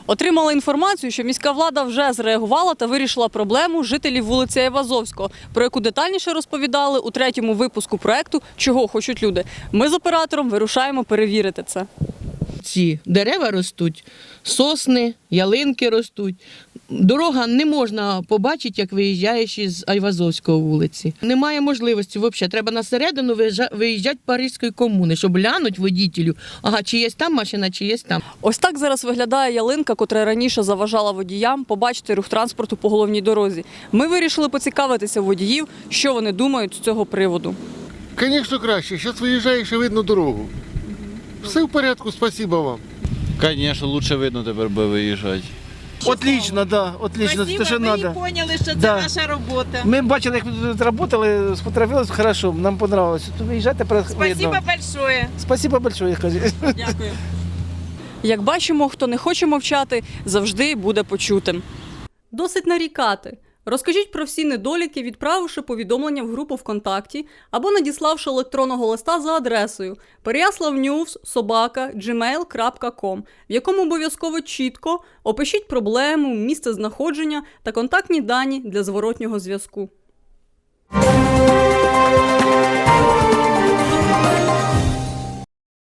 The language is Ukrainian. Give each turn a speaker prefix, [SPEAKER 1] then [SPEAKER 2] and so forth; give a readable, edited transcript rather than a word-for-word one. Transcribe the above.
[SPEAKER 1] Отримала інформацію, що міська влада вже зреагувала та вирішила проблему жителів вулиці Айвазовського, про яку детальніше розповідали у 3-му випуску проекту «Чого хочуть люди». Ми з оператором вирушаємо перевірити це.
[SPEAKER 2] Ці дерева ростуть, сосни, ялинки ростуть. Дорога не можна побачити, як виїжджаєш із Айвазовського вулиці. Немає можливості взагалі. Треба на середину виїжджати Паризької комуни, щоб глянути водітелю, ага, чи є там машина, чи є там.
[SPEAKER 1] Ось так зараз виглядає ялинка, котра раніше заважала водіям побачити рух транспорту по головній дорозі. Ми вирішили поцікавитися водіїв, що вони думають з цього приводу.
[SPEAKER 3] Звісно, краще. Зараз виїжджаєш і видно дорогу. Все в порядку, спасибо вам.
[SPEAKER 4] Конечно, лучше видно тепер би виїжджати.
[SPEAKER 5] Отлично, да, отлично,
[SPEAKER 6] Спасибо,
[SPEAKER 5] те, що
[SPEAKER 6] ви
[SPEAKER 5] треба.
[SPEAKER 6] поняли, що це
[SPEAKER 5] Да.
[SPEAKER 6] наша робота.
[SPEAKER 5] Ми бачили, як ви тут працювали, сфотографувалися, хорошо, нам понравилось. Тут виїжджати
[SPEAKER 6] Спасибо
[SPEAKER 5] видно.
[SPEAKER 6] большое.
[SPEAKER 5] Спасибо большое, кажуть.
[SPEAKER 1] Дякую. Як бачимо, хто не хоче мовчати, завжди буде почутим. Досить нарікати. Розкажіть про всі недоліки, відправивши повідомлення в групу ВКонтакті або надіславши електронного листа за адресою peryaslav.news@gmail.com, в якому обов'язково чітко опишіть проблему, місце знаходження та контактні дані для зворотнього зв'язку.